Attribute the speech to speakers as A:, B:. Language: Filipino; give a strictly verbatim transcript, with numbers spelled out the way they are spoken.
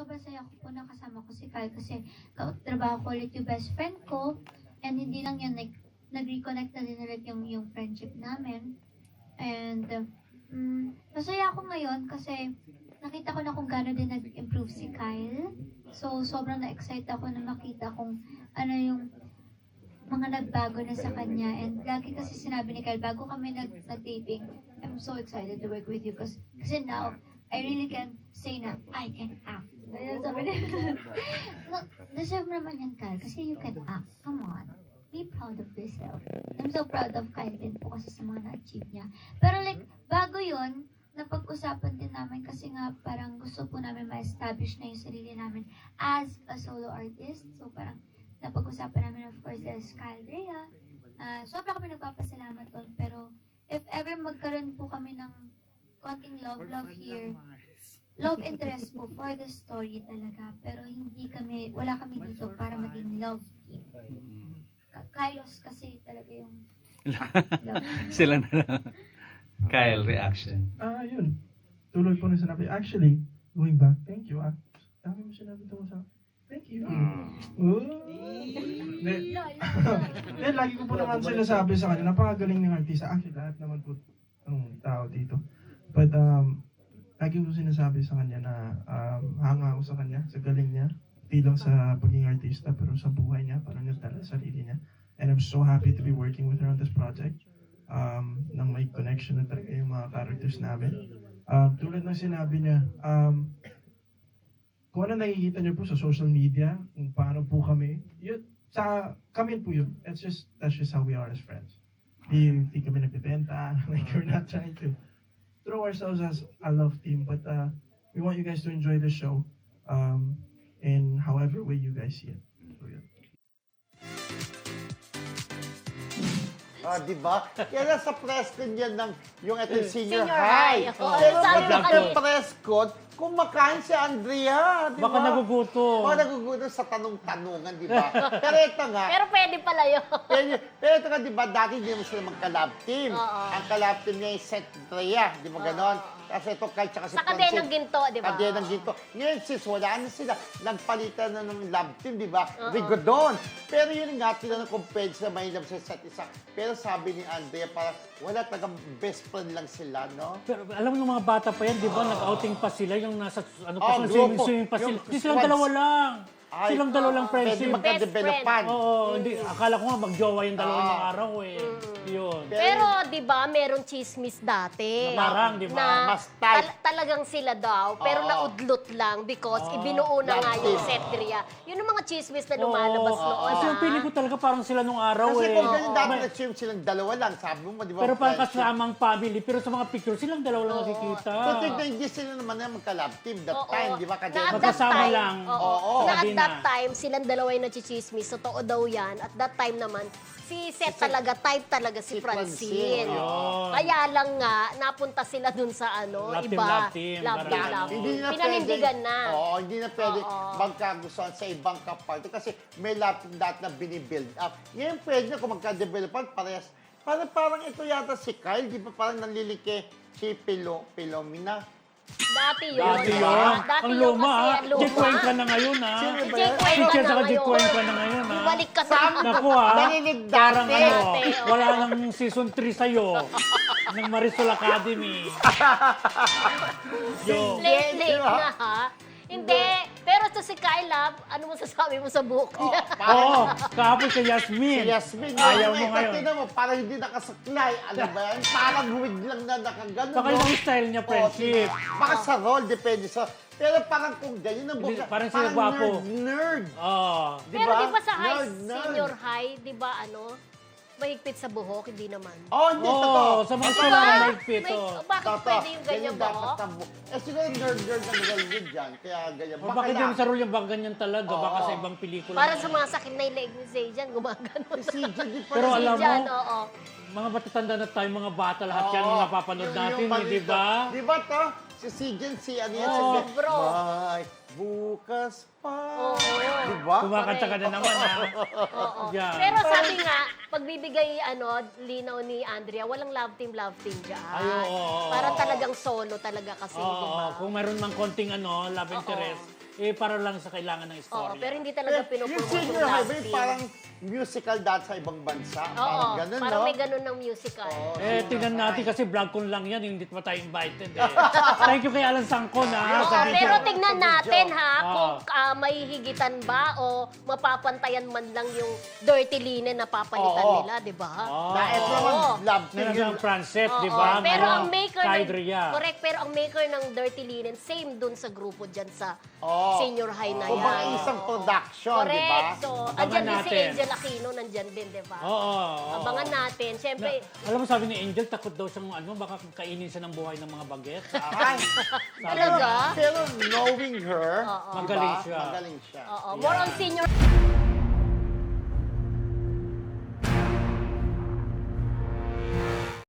A: sobrang saya ko po nakasama ko si Kyle kasi trabaho ko ulit yung best friend ko. And hindi lang yun, like, nag-reconnect na din ulit yung, yung friendship namin. And, um, masaya ako ngayon kasi nakita ko na kung gaano din nag-improve si Kyle. So, sobrang na-excite ako na makita kung ano yung mga nagbago na sa kanya. And lagi kasi sinabi ni Kyle, bago kami nag- nag-dating, I'm so excited to work with you kasi, kasi now, I really can say na, I can act. Ayun, sabi niya. No, deserve naman yan, Kyle, kasi you can act. Come on. Be proud of yourself. I'm so proud of Kyle din po kasi sa mga na-achieve niya. Pero like, bago yun, napag-usapan din namin kasi nga parang gusto po namin ma-establish na yung sarili namin as a solo artist. So parang napag-usapan namin of course as Kyle Rhea. Uh, sobra kami nagpapasalamat doon. Pero if ever magkaroon po kami ng konting love-love here, love interest po for the story talaga. Pero hindi kami, wala kami dito para maging love team. Kylos kasi talaga yung love.
B: Sila na lang. Kyle, reaction.
C: Ah, yun. Tuloy po na sinabi. Actually, going back, thank you. Ah, dami mo sinabi ito sa thank you. Oh. Then, then, lagi ko po naman sinasabi sa kanya, napakagaling ng artista. Actually, lahat naman po ng tao dito. But, um, lagi ko sinasabi sa kanya na um, hanga ako sa kanya, sa galing niya. Di lang sa pagiging artista, pero sa buhay niya, parang nagdala sa sarili niya. And I'm so happy to be working with her on this project. Um, nang may connection na talaga yung mga characters namin. Um, tulad ng sinabi niya, um, kung ano nakikita niyo po sa social media, kung paano po kami, yun, sa kami po yun. It's just, that's just how we are as friends. Di, di kami nagbibenta, like we're not trying to throw ourselves as a love team, but uh, we want you guys to enjoy the show um, in however way you guys see it. So, yun.
D: Ah, di ba? Kaya sa press con yan ng yung ito senior,
E: Senior
D: high.
E: high. Oo,
D: Kaya
E: sabi
D: sa
E: ko kanina.
D: press con, kumakain si Andrea, di ba?
F: Baka nagugutom.
D: Baka nagugutom sa tanong-tanungan, di ba? Pero ito nga,
E: Pero pwede pala yun.
D: pero, pero ito nga, di ba, dati hindi mo sila magka-lab team.
E: Oo.
D: Ang ka-lab team niya yung Seth Andrea, di ba ganon? Kasi ito, kahit tsaka si
E: Sa Kadenang Ginto, di ba?
D: Kadenang Ginto. Ngayon, sis, wala na sila. Nagpalitan na ng lab team, di ba? Rigodon. Pero yun nga, tinanong kung pwede sila mahilap sa isa't isa. Pero sabi ni Andrea, parang wala talagang best friend lang sila, no?
F: Pero alam mo ng mga bata pa yan, di ba? Nag-outing pa sila, yung nasa ano pa
D: Oh,
F: sila,
D: grupo.
F: swimming, swimming pa
D: Yung
F: sila. Di silang
D: squads.
F: dalawa lang.
D: Ay,
F: Silang dalawa lang
D: Pwede
F: friendship.
D: magka-developan.
F: Oo, hindi. Akala ko nga mag-jowa yung dalawa
D: Ah.
F: ng araw eh. Yun.
E: Pero, di ba, merong chismis dati.
F: Parang, di ba?
E: Na
D: Mas tight.
E: tal- talagang sila daw, pero
D: Oo.
E: naudlot lang because ibinuo na nga
D: Love
E: yung
D: team.
E: Setria. Yun ang mga chismis na lumalabas
F: Oo.
E: noon.
F: Kasi yung
E: ah.
F: feeling ko talaga parang sila nung araw
D: Kasi
F: eh.
D: kung ganyan dati
F: May-
D: nag-swim silang dalawa lang, sabi mo, di ba?
F: Pero parang
D: friendship.
F: kasamang family. Pero sa mga picture, silang dalawa lang nakikita.
D: Pero tignan, hindi sila naman na magka-lab team that
E: Oo.
D: time, di ba?
E: Na at
D: Kadenang
E: that
F: Magkasama
E: time,
F: lang.
E: Oo.
D: Oo.
E: Na at
F: Sabi
E: that
F: na.
E: time, silang dalawa yung nachichismis. Totoo daw yan. At that time naman, si Seth talaga, type talaga si
D: Si
E: Francine.
D: Francine,
F: oo.
E: Kaya lang nga, napunta sila dun sa ano,
F: Love team,
E: iba.
F: love team,
E: Love team,
F: parang
E: love
F: ano.
E: team. Pinanindigan na.
D: Oo, hindi na pwede
E: Oo.
D: magkagustuhan sa ibang kaparte kasi may lahat dati na binibuild up. Ngayon pwede na kung magka-developan, parehas. Parang, parang ito yata si Kyle, di ba parang nanlilike si Pilo, Pilomina?
E: Dati yun.
F: Dati
E: di
F: yun.
E: ba? Dati
F: Ang
E: yun
F: luma
E: kasi,
F: ha.
E: ang luma.
F: Jake Cuenca na ngayon ha.
D: Sino
E: Si
D: ba
E: Jake
D: yan?
E: Cuenca
F: Teacher
E: na
F: sa Jake
E: ngayon.
F: Cuenca na ngayon ha.
E: Bumalik ka sa...
D: Sama-
F: Naku ha.
D: Narinig dati.
F: Parang ano,
E: Dati, oo.
F: wala nang season three sa'yo. ng Marisol Academy. Yo.
E: Late, late
D: Di ba?
E: na ha. Hindi. Pero to si Kyla, ano mo sasabi mo sa buhok niya?
F: Oo, kahapon kay Yasmin.
D: Si Yasmin,
F: Ayaw mo
D: eh,
F: ngayon.
D: tingnan mo, parang hindi nakasaklay. Ano ba yan? Parang huwig lang na nakagano.
F: Baka ibang style niya, friendship.
D: Oo, baka sa role, depende sa... Pero parang kung ganyan ang
F: Hindi,
D: buka,
F: parang sila gwapo.
D: nerd, nerd.
F: Oo.
D: Di
E: Pero
D: ba?
E: di ba sa high,
D: Nerd, nerd.
E: senior high, di ba ano, mahigpit sa buhok, hindi naman.
D: Oh, hindi,
F: Oo,
D: totoo.
F: sa mga
D: Totoo.
F: school lang
E: Diba?
F: mahigpit,
E: May-
F: oh.
E: Bakit
D: Totoo.
E: pwede yung ganyan
D: dapat
E: buhok?
D: ang buhok. Eh, siguro nerd-nerd ang galing dyan, kaya ganyan.
F: O bakit yung sa role yung baka ganyan talaga? Baka
D: Oo.
F: sa ibang pelikula.
E: Para sa mga sakit na yung leg ni Zajan, gumagano.
D: Si J J, di pa
F: Pero
D: rin-
F: alam mo,
E: Zajan, oo.
F: mga matatanda na tayo, mga bata, lahat yan
D: Oo.
F: mga napapanood
D: Yung-
F: natin,
D: yung
F: eh, di ba?
D: Di ba to? Si Sijan, si ano yan,
F: Oo,
D: si
E: bro.
D: May bukas pa.
E: Oo.
D: Di ba?
F: Kumakanta ka na naman, ha?
E: Oo.
F: Yan.
E: Pero sabi nga, pagbibigay ano, linaw ni Andrea, walang love team, love team dyan.
F: Ay, oo, oo,
E: Para
F: oo.
E: talagang solo talaga kasi,
F: Oo,
E: di ba?
F: kung meron mang konting ano, love
E: Oo.
F: interest, eh para lang sa kailangan ng
E: Oo,
F: istorya.
E: pero hindi talaga
D: Yung
E: pinopromote
D: senior
E: yung
D: high
E: love
D: ba yung
E: team.
D: parang musical dance sa ibang bansa?
E: Oo,
D: Parang ganun,
E: parang
D: no?
E: may ganun ng musical.
D: Oo.
F: Eh, tingnan natin kasi vlog ko lang yan, hindi pa tayo invited eh. Thank you kay Alan Sangkon ha,
E: Oo,
F: sa video.
E: pero tignan natin ha,
F: Oo.
E: kung ah, may higitan ba o mapapantayan man lang yung dirty linen na papalitan
D: Oo.
E: nila, di ba?
F: Oo.
D: Na ito naman,
E: Oo.
D: love team
F: Meron
D: yun.
F: siyang Francet,
E: Oo,
F: di ba?
E: pero
F: Ngayon,
E: ang maker
F: Kay
E: ng,
F: Drea.
E: correct, pero ang maker ng dirty linen, same dun sa grupo dyan sa
D: Oo.
E: senior high na
D: Kung
E: yan.
D: baka isang
E: Oo.
D: production, di ba?
E: Correct. So,
F: Abangan
E: andyan din si
F: natin.
E: Angel Aquino, nandyan din, di ba?
F: Oo. oo.
E: Abangan natin.
F: Na,
E: Siyempre,
F: alam mo sabi ni Angel, takot daw siyang ano, baka kainin siya ng buhay ng mga baget.
D: Ay,
E: talaga?
D: pero knowing her,
E: Oo.
D: di ba?
F: Magaling siya.
D: Magaling siya.
E: Oo, more on senior